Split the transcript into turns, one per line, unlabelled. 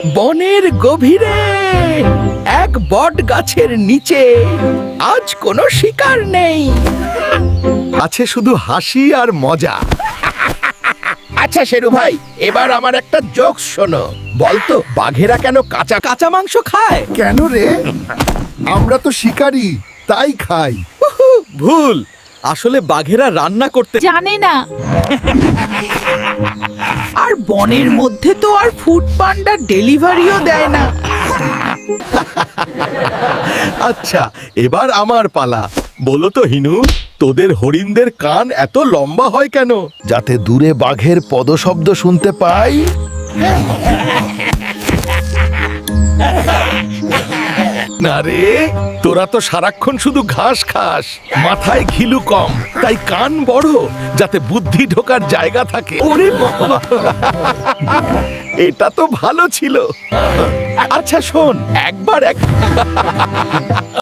বনের গভীরে এক বট গাছের নিচে আজ কোনো শিকার নেই, আছে শুধু হাসি আর মজা। আচ্ছা শেরু ভাই, এবার আমার একটা জোকস শোনো। বলতো বাঘেরা কেন কাঁচা কাঁচা মাংস খায়?
কেন রে? আমরা তো শিকারী, তাই খাই।
ভুল, আসলে বাঘেরা রান্না করতে
জানে না।
আর বনের মধ্যে তো আর ফুড পান্ডা ডেলিভারিও দেয় না। আচ্ছা, এবার আমার পালা। বলো তো হিনু, তোদের হরিণদের কান এত লম্বা হয় কেন?
যাতে দূরে বাঘের পদশব্দ শুনতে পাই।
না রে, তোরা তো সারাক্ষণ শুধু ঘাস খাস, মাথায় ঘিলু কম, তাই কান বড়, যাতে বুদ্ধি ঢোকার জায়গা থাকে। ওরে বাবা, এটা তো ভালো ছিল। আচ্ছা শোন, একবার